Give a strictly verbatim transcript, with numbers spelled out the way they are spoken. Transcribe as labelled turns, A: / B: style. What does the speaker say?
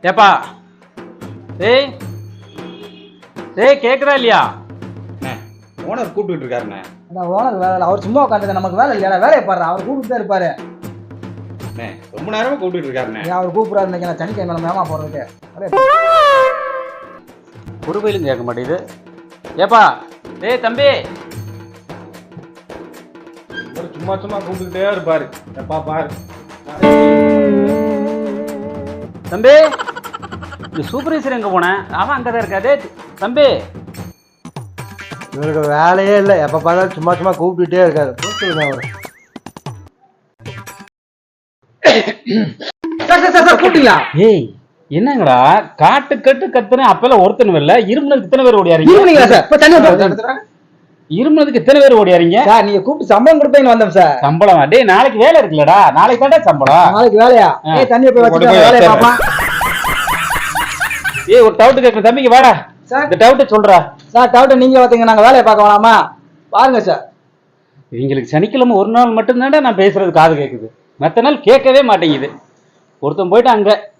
A: ஏப்பா டேய் டேய் கேக்குதா இல்லையா?
B: ஓனர் கூப்பிட்டு இருக்காருண்ணே.
C: ஓனர் வேலை, அவர் சும்மா உட்காந்துக்க, நமக்கு வேலை இல்லையா? வேலையை பாரு, அவர் கூப்பிட்டு தான் இருப்பாரு.
B: ரொம்ப நேரமா கூப்பிட்டு இருக்காருண்ணே.
C: அவர் கூப்பிடாரு இன்னைக்கு நான் சனிக்கிழமை மேமா போறதுக்கு.
A: ஒரு பயிலும் கேட்க மாட்டேங்குது. ஏப்பா டேய் தம்பி,
B: சும்மா சும்மா கூப்பிட்டுட்டே இருப்பாரு. எப்பா பாரு
A: தம்பி, இந்த சூப்பர்வைசர் எங்க போனேன்? அவன் அங்கதான் இருக்கா. டேய் தம்பி,
C: இவருக்கு வேலையே இல்லை, எப்ப பார்த்தாலும் சும்மா சும்மா கூப்பிட்டுட்டே இருக்காரு. கூப்பிட்டு அவரு கூப்பிட்டீங்களா?
A: ஏய் என்னங்கடா காட்டு கட்டு கத்துன அப்பெல்லாம் ஒருத்தனும் இல்ல, இருமுனதுக்கு இத்தனை பேர் ஓடியாரீங்க. இருமுனதுக்கு இத்தனை பேர் ஓடியாரீங்க.
C: சார் நீங்க கூப்பிட்டு சம்பளம் கொடுப்பீங்கன்னு வந்தோம் சார்.
A: சம்பளம்? டேய் நாளைக்கு வேலை இருக்குல்லடா, நாளைக்கு தாண்டா சம்பளம்.
C: நாளைக்கு வேலையா? ஏய் தண்ணியை போய் வச்சுட்டு வேலையை பாப்பா.
A: ஏய் ஒரு டவுட் கேட்கற தம்பிக்கு வாடா. சார் இந்த டவுட் சொல்றா.
C: சார் டவுட் நீங்க பாத்தீங்க, நாங்க வேலையை பார்க்க வேணாமா? பாருங்க சார்.
A: இவங்களுக்கு சனிக்கிழமை ஒரு நாள் மட்டும்தான்டா நான் பேசுறது காது கேட்குது, மற்ற நாள் கேட்கவே மாட்டேங்குது. ஒருத்தன் போயிட்டு அங்க